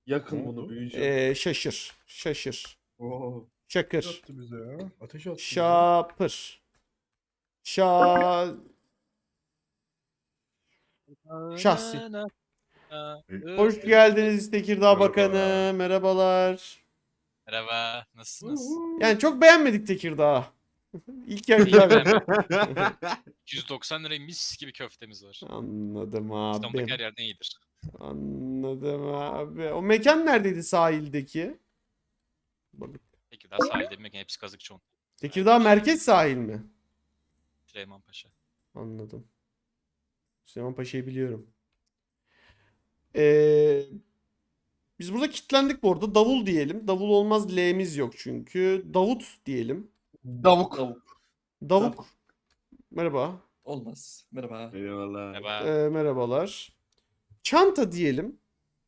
Yakın bunu büyücü. Şaşır. Şaşır. Oo. Şakır. Attı bize ya. Ateş attı bize. Şapır. Şahsi. Hoş geldiniz Tekirdağ Merhaba. Bakanı. Merhabalar. Merhaba, nasılsınız? Yani çok beğenmedik Tekirdağ'ı. İlk yer İyi güzel. beğenmedim. 190 liraya mis gibi köftemiz var. Anladım İstanbul'daki her abi. yerden iyidir. Anladım abi. O mekan neredeydi sahildeki? Peki daha sahilde bir mekan, hepsi Kazıkçıoğlu. Tekirdağ merkez sahil mi? Süleymanpaşa. Anladım. Süleyman Paşa'yı biliyorum. Ee, Biz burada kilitlendik bu arada. Davul diyelim. Davul olmaz, L'miz yok çünkü. Davut diyelim. Davuk. Davuk. Merhaba. Olmaz. Merhaba. Eyvallah. Merhaba. Merhabalar. Çanta diyelim.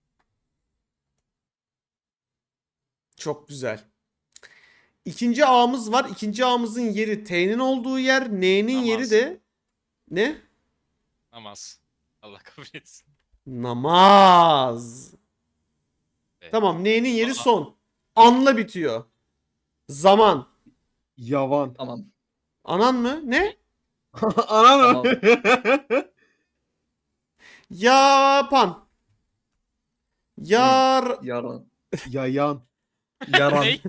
Çok güzel. İkinci ağımız var. İkinci ağımızın yeri T'nin olduğu yer. N'nin Namaz. yeri de ne? Namaz. Allah kabul etsin. Namaz. Evet. Tamam, N'nin yeri Aa. son. Anla bitiyor. Zaman. Yavan. Tamam. Anan mı? Ne? Anam. Yapan. Yar. Yaran. Yayan. Yaran. Ne?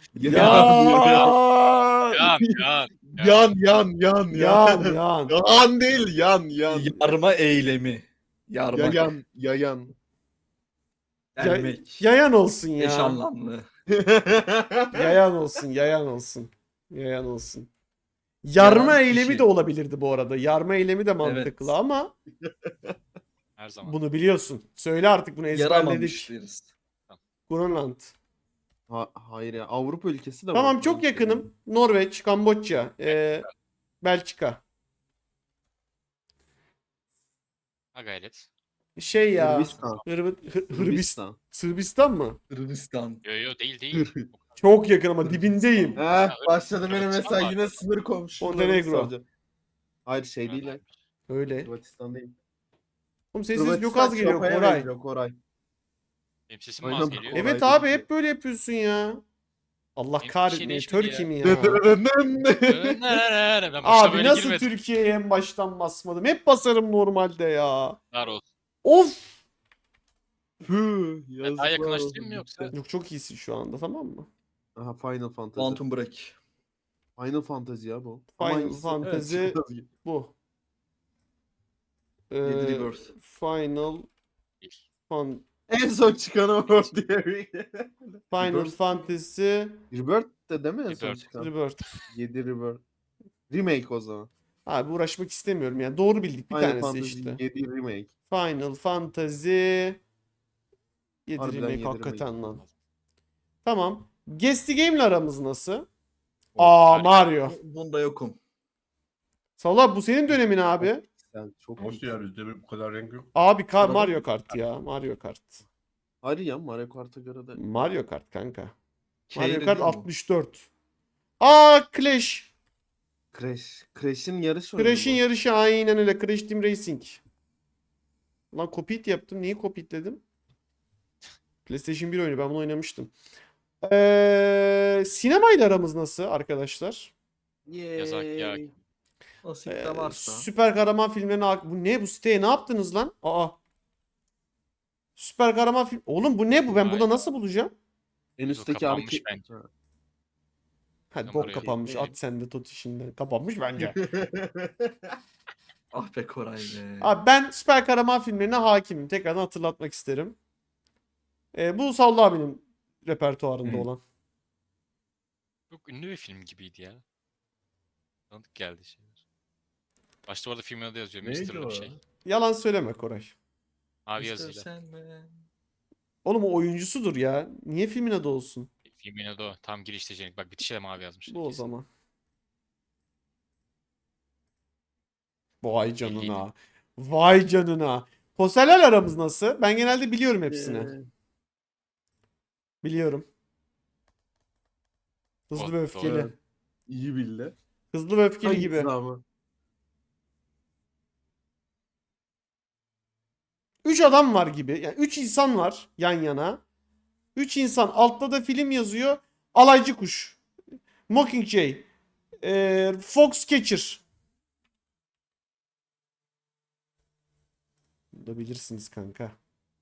Yar. Yan, yan. Yan. Yan. Yan değil yan. Yarma eylemi. Yarmak. Yayan. Delmek. Yayan olsun ya. Eş anlamlı. Yayan olsun, yayan olsun. Yayan olsun. Yarma Yaran eylemi kişi. de olabilirdi bu arada. Yarma eylemi de mantıklı Evet. ama Her zaman. bunu biliyorsun. Söyle artık, bunu Yaramamış ezberledik. deriz. Grönland. Hayır ya. Avrupa ülkesi de var. Tamam, çok yakınım. Norveç, Kamboçya, Belçika. Ha gayret. Şey ya. Hırvatistan. Hırvatistan. Sırbistan mı? Hırvatistan. Yo yo değil. Çok yakın ama dibindeyim. Başladı benim Hırvatistan mesela var. yine sınır komşu. Montenegro. Hayır şey değil lan. Öyle. Hırvatistan değil. Oğlum sesin çok az geliyor Koray. Koray. Benim sesim mi Aynen. az geliyor? Evet Koray abi, dedi. hep böyle yapıyorsun ya. Allah Benim kahretmeyin. bir şey değişmedi Türkiye mi ya? Ben başta Abi böyle nasıl girmedim. Türkiye'ye en baştan basmadım? Hep basarım normalde ya. Var olsun. Of. Püh, Ben daha yakınlaştırayım mı yoksa? Yok, çok iyisin şu anda, tamam mı? Aha Final Fantasy. Quantum Break. Final Fantasy ya bu. Final Ama hangisi? Fantasy Evet, bu. Yedi Rebirth. Final en son çıkan o diye bir. Final Rebirth. Fantasy Rebirth de değil mi en son Rebirth. çıkan? Rebirth. 7 Rebirth. Remake o zaman. Abi uğraşmak istemiyorum yani. Doğru bildik bir Final tanesi Fantasy işte. 7 Remake. Final Fantasy 7 Harbiden remake 7 hakikaten remake. lan. Tamam. Guest Game'le aramız nasıl? O, Aa, harika. Mario. Bunda yokum. Salla, bu senin dönemin abi. Sen çok Nasıl ya, bizde bu kadar renk yok. Abi Arada Mario mı? Kart ya. Mario Kart. Hadi ya Mario Kart'a göre de. Mario Kart kanka. Şeyde Mario Kart değil mi? 64. Aa, Clash. Crash'in yarış oyunu. Crash'in bu. yarışı, aynen öyle. Crash Team Racing. Lan kopit yaptım. Neyi kopitledim? PlayStation 1 oyunu. Ben bunu oynamıştım. Sinemayla aramız nasıl arkadaşlar? Yazak ya. Nasip de varsa. Süper kahraman filmlerine bu ne, bu siteye ne yaptınız lan? Aa. Süper kahraman film. Oğlum bu ne bu? Ben burada Hayda. nasıl bulacağım? En üstteki kapanmış hareket. bence. Ha. Hadi Ben bok buraya kapanmış. gireyim. At sen de tot işinden. Kapanmış bence. Ah be Koray be. Abi ben süper kahraman filmlerine hakimim. Tekrardan hatırlatmak isterim. Bu Sallı abinin repertuarında olan. Çok ünlü bir film gibiydi ya. Tanıdık geldi şeyler. Başta orada filmin adı yazıyor. Neydi Mr. o? bir şey. Yalan söyleme Koray. Mavi Mr. yazıyla. Sandman. Oğlum o oyuncusudur ya. Niye filmin adı olsun? Filmin adı o. Tam girişte Cenk. Bak bitişe de mavi yazmış. Bu o zaman. Vay canına. Vay canına. Posterler aramız nasıl? Ben genelde biliyorum hepsini. Biliyorum. Hızlı Oh, ve öfkeli. Evet. İyi bildi. Hızlı ve öfkeli Hangisi gibi. ama? 3 adam var gibi. Yani 3 insan var yan yana. 3 insan. Altta da film yazıyor. Alaycı kuş. Mockingjay. Foxcatcher. Bunu da bilirsiniz kanka.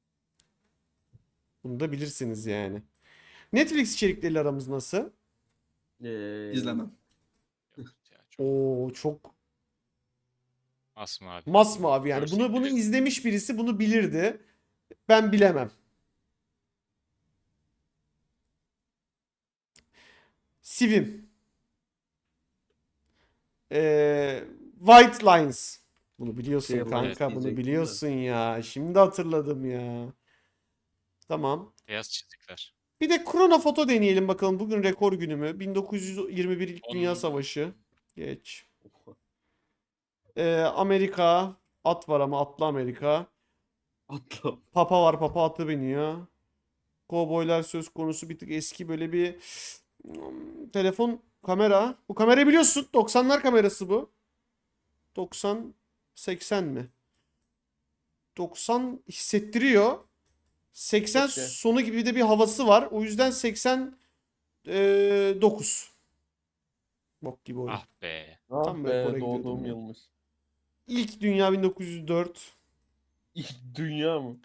Bunu da bilirsiniz yani. Netflix içerikleriyle aramız nasıl? İzlemem. Yok ya, çok Oo çok masmavi. masmavi yani. Görsel Bunu bile- izlemiş birisi bunu bilirdi. Ben bilemem. Sivim. White Lines. Bunu biliyorsun Şey, kanka. evet, Bunu diyecektim de. biliyorsun ya. Şimdi hatırladım ya. Tamam. Beyaz çizikler. Bir de krono foto deneyelim bakalım. Bugün rekor günü mü? 1921 İlk Dünya Onun- Savaşı. Geç. Amerika. At var ama atlı Amerika. Atla. Papa var. Papa atı biniyor. Kovboylar söz konusu bir tık eski böyle bir telefon kamera. Bu kamerayı biliyorsun. 90'lar kamerası bu. 90 80 mi? 90 hissettiriyor. 80 Okey. sonu gibi de bir havası var. O yüzden 89. Bok gibi oyun. Ah be. Ah Tam be, böyle Kore doğduğum gidiyordum ya. yılmış. İlk dünya 1904. İlk dünya mı?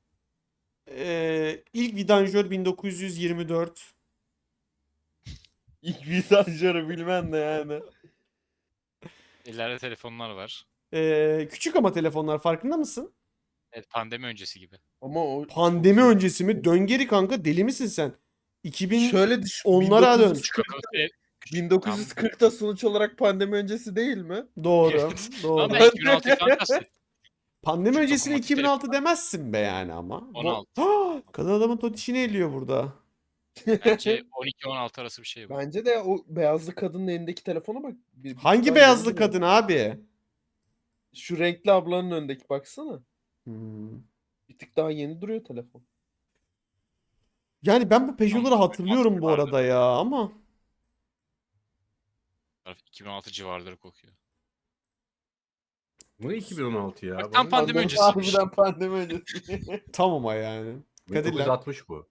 İlk vidanjör 1924. İlk vidanjörü bilmem de yani. Ellerde telefonlar var. Küçük ama telefonlar farkında mısın? Evet, pandemi öncesi gibi. Ama o Pandemi öncesi mi? Dön geri kanka, deli misin sen? 2000 şöyle düşün. onlara dön. 1940'da sonuç olarak pandemi öncesi değil mi? Doğru. Ama Doğru. ben 2016'yı falan kastettim. Pandemi Çok öncesine otomatik 2006 demezsin be yani ama. 16. Kadın adamın totişini eliyor burada. Bence 12-16 arası bir şey bu. Bence de o beyazlı kadının elindeki telefona bak. Bir Hangi tık daha beyazlı yeni duruyor. kadın abi? Şu renkli ablanın önündeki baksana. Hmm. Bir tık daha yeni duruyor telefon. Yani ben bu Peugeot'ları Tamam, hatırlıyorum bu vardı. arada ya ama. 2016 civarları kokuyor. Bu 2016 ya. Bak, tam Bana- pandemi öncesiymiş. Harbiden pandemi öncesi. Tam ama yani. Kadirler. 1960 bu.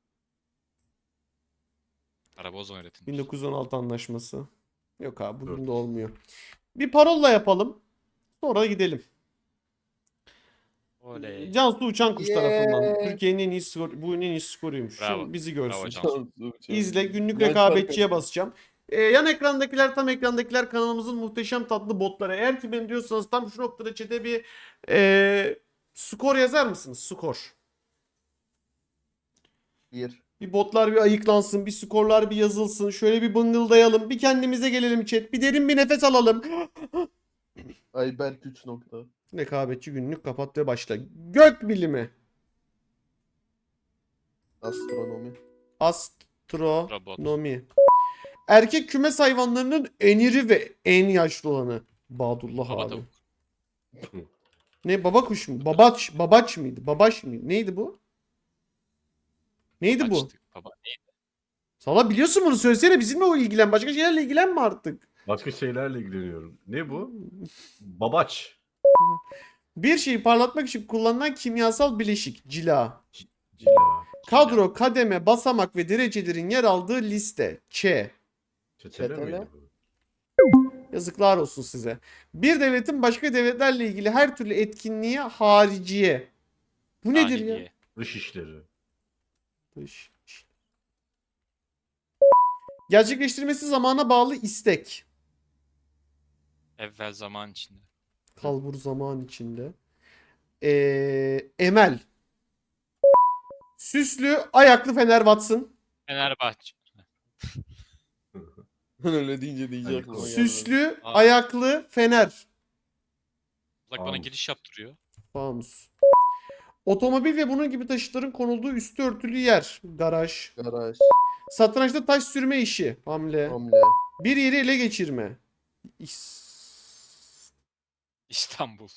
Araba o zaman üretilmiş. 1916 anlaşması. Yok abi bugün Dur. de olmuyor. Bir parolla yapalım. Sonra gidelim. Oley. Cansu Uçankuş Yeah. tarafından. Türkiye'nin en iyi skor, bu en iyi skoruymuş. Bravo. Şimdi bizi görsün. Bravo Cansu. İzle, günlük Ben rekabetçiye çarpı- basacağım. Yan ekrandakiler, tam ekrandakiler kanalımızın muhteşem tatlı botları. Eğer ki ben diyorsanız tam şu noktada chat'e bir skor yazar mısınız? Skor. Bir. Bir botlar bir ayıklansın, bir skorlar bir yazılsın. Şöyle bir bıngıldayalım, bir kendimize gelelim chat. Bir derin bir nefes alalım. Ayberk 3 nokta. Rekabetçi günlük kapat ve başla. Gök bilimi. Astronomi. Astronomi. Erkek kümes hayvanlarının en iri ve en yaşlı olanı. Badullah Baba abi. tavuk. Ne, baba kuş mu? Babaç mıydı? Babaş mıydı? Neydi bu? Neydi bu? Açtık. Baba neydi? Sala biliyorsun bunu, söylesene, bizimle o ilgilen. Başka şeylerle ilgilenme artık. Başka şeylerle ilgileniyorum. Ne bu? Babaç. Bir şeyi parlatmak için kullanılan kimyasal bileşik. Cila. Cila. Kadro, kademe, basamak ve derecelerin yer aldığı liste. Ç. Çetele Çetele. miydi bu? Yazıklar olsun size. Bir devletin başka devletlerle ilgili her türlü etkinliğe hariciye. Bu nedir ya? Dahiliye. Dış işleri. Dış. Gerçekleştirmesi zamana bağlı istek. Evvel zaman içinde. Kalbur zaman içinde. Emel. Süslü, ayaklı Fener Watson. Fenerbahçe. Öyle deyince diyecek. aklıma gelmedi. Süslü, Aa. ayaklı Fener. Bak bana Tamam. giriş yaptırıyor. Fanus. Otomobil ve bunun gibi taşıtların konulduğu üstü örtülü yer. Garaj. Garaj. Satrançta taş sürme işi. Hamle. Hamle. Bir yeri ele geçirme. İstanbul.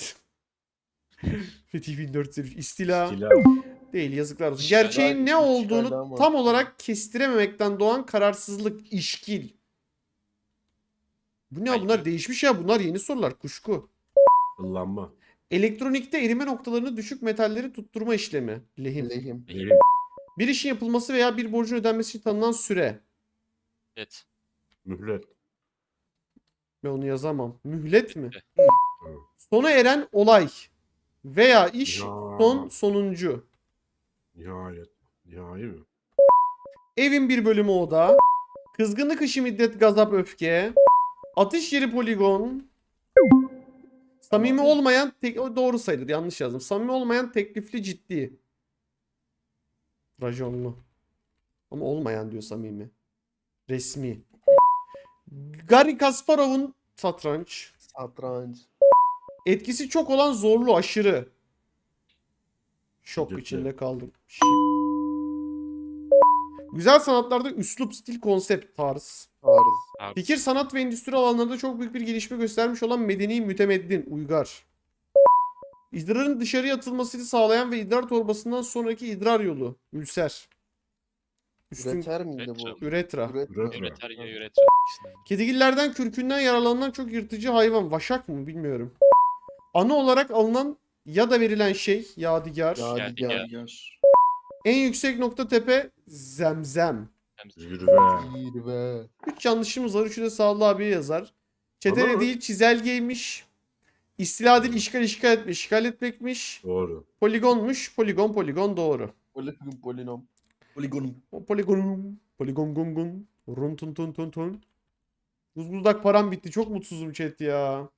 Fetih 1403. İstila. Cila. Değil, yazıklar olsun. İşgal. Gerçeğin ne İşgal olduğunu ama. tam olarak kestirememekten doğan kararsızlık, işkil. Bu ne ya? Ay, Bunlar evet. değişmiş ya. Bunlar yeni sorular. Kuşku. Kullanma. Elektronikte erime noktalarını düşük metalleri tutturma işlemi. Lehim. Lehim. Lehim. Bir işin yapılması veya bir borcun ödenmesi için tanınan süre. Evet. Mühlet. Ben onu yazamam. Mühlet mi? Evet. Sona eren olay veya iş Ya. sonuncu. Nihayet. Nihai mi? Evin bir bölümü oda. Kızgınlık işi müddet gazap öfke. Atış yeri poligon. Samimi olmayan o doğru sayılır, yanlış yazdım. Samimi olmayan teklifli ciddi. Rajonlu. Ama olmayan diyor samimi. Resmi. Garry Kasparov'un satranç. Satranç. Etkisi çok olan zorlu aşırı. Şok Şiddetli. içinde kaldım. Güzel sanatlarda üslup, stil, konsept, tarz. Tarz. Abi, Fikir, sanat ve endüstri alanlarında çok büyük bir gelişme göstermiş olan medeni, mütemeddin, uygar. İdrarın dışarıya atılmasını sağlayan ve idrar torbasından sonraki idrar yolu. Ülser. Üstün Üreter miydi bu? üretra. Üretra. Üreter ya üreter. İkisinden. Kedigillerden kürkünden yaralanan çok yırtıcı hayvan. Vaşak mı bilmiyorum. Anı olarak alınan ya da verilen şey. Yadigar. Yadigar. Yadigar. En yüksek nokta tepe. Zemzem. Zirve. Zirve. 3 yanlışımız var. Üçü de Sağlı abiye yazar. Çetele Ama- değil çizelgeymiş. İstila değil işgal etmiş. İşgal etmekmiş. Doğru. Poligonmuş. Poligon doğru. Polinom. Poligonum. O poligon. Poligon gun gun. Run tun tun tun tun. Buzbuldak param bitti. Çok mutsuzum chat ya.